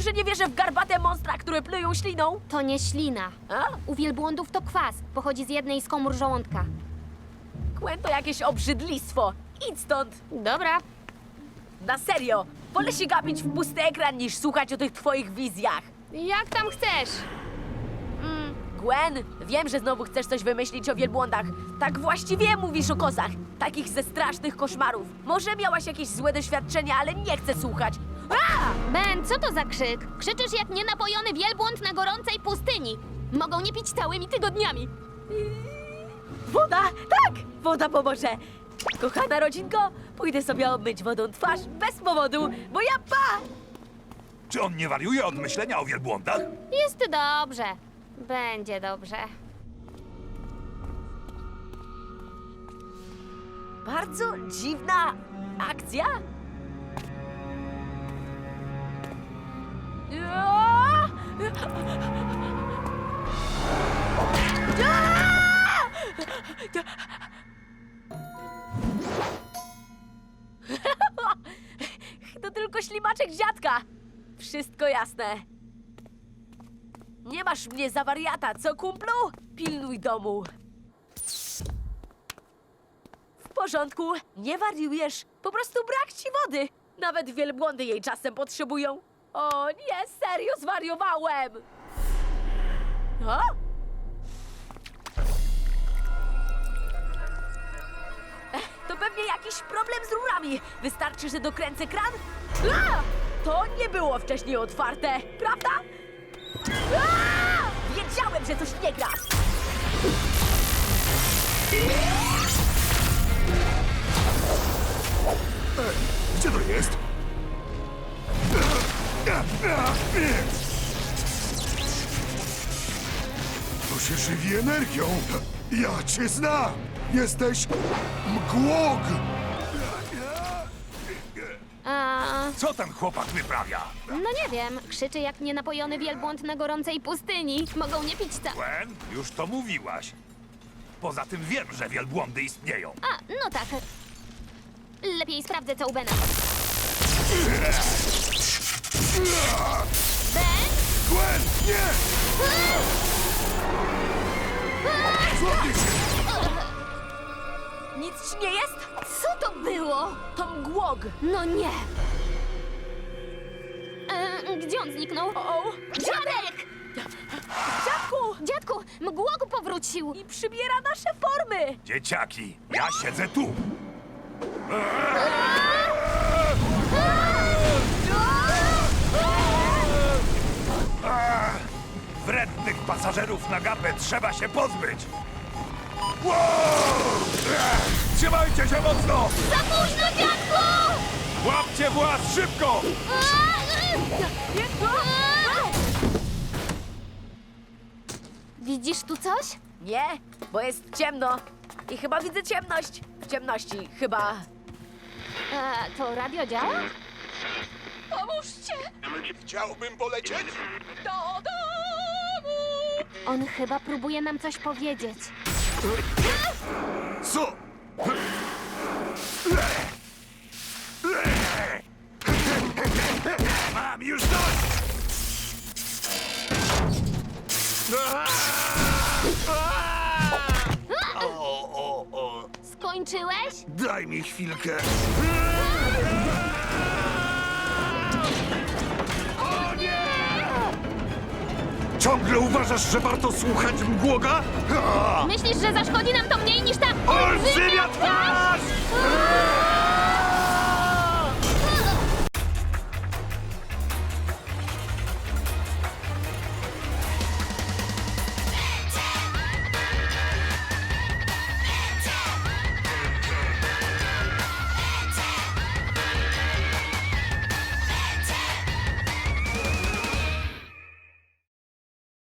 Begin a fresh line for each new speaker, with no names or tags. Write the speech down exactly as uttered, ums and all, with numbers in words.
że nie wierzę w garbate monstra, które plują śliną?
To nie ślina.
A?
U wielbłądów to kwas. Pochodzi z jednej z komór żołądka.
Gwen to jakieś obrzydlistwo. Idź stąd.
Dobra.
Na serio. Wolę się gapić w pusty ekran, niż słuchać o tych twoich wizjach.
Jak tam chcesz?
Gwen, wiem, że znowu chcesz coś wymyślić o wielbłądach. Tak właściwie mówisz o kozach. Takich ze strasznych koszmarów. Może miałaś jakieś złe doświadczenia, ale nie chcę słuchać. A!
Ben, co to za krzyk? Krzyczysz jak nienapojony wielbłąd na gorącej pustyni. Mogą nie pić całymi tygodniami.
Woda! Tak! Woda pomoże! Kochana rodzinko, pójdę sobie obmyć wodą twarz bez powodu, bo ja pa!
Czy on nie wariuje od myślenia o wielbłądach?
Jest dobrze. Będzie dobrze.
Bardzo dziwna akcja. Aaa! To tylko ślimaczek dziadka. Wszystko jasne. Nie masz mnie za wariata, co kumplu? Pilnuj domu. W porządku, nie wariujesz. Po prostu brak ci wody. Nawet wielbłądy jej czasem potrzebują. O nie, serio zwariowałem. O? Ech, to pewnie jakiś problem z rurami. Wystarczy, że dokręcę kran? A! To nie było wcześniej otwarte, prawda? A! Wiedziałem, że coś nie gra.
Gdzie to jest? To się żywi energią. Ja cię znam. Jesteś mgłog.
A,
Co ten chłopak wyprawia?
no nie wiem. Krzyczy jak nienapojony wielbłąd na gorącej pustyni. Mogą nie pić ca...
Gwen, już to mówiłaś. Poza tym wiem, że wielbłądy istnieją.
A, no tak. Lepiej sprawdzę, co u Bena. Ben?
Gwen, nie! Złapie się!
Nic ci nie jest?
Co to było?
To mgłog.
No nie. E, gdzie on zniknął?
O,
Dziadek!
dziadku!
Dziadku, mgłok powrócił.
I przybiera nasze formy.
Dzieciaki, ja siedzę tu. Wrednych pasażerów na gapę trzeba się pozbyć. Wow! Trzymajcie się mocno!
Za późno, dziadku!
Łapcie włas szybko!
Widzisz tu coś?
Nie, bo jest ciemno. I chyba widzę ciemność. W ciemności, chyba.
E, to radio działa?
Pomóżcie!
Chciałbym polecieć.
Do domu!
On chyba próbuje nam coś powiedzieć.
Co? Mam już dość! O, o, o.
Skończyłeś?
Daj mi chwilkę. O nie! Ciągle uważasz, że warto słuchać mgłoga? Ha!
Myślisz, że zaszkodzi nam to mniej niż ta
Olbrzymia twarz!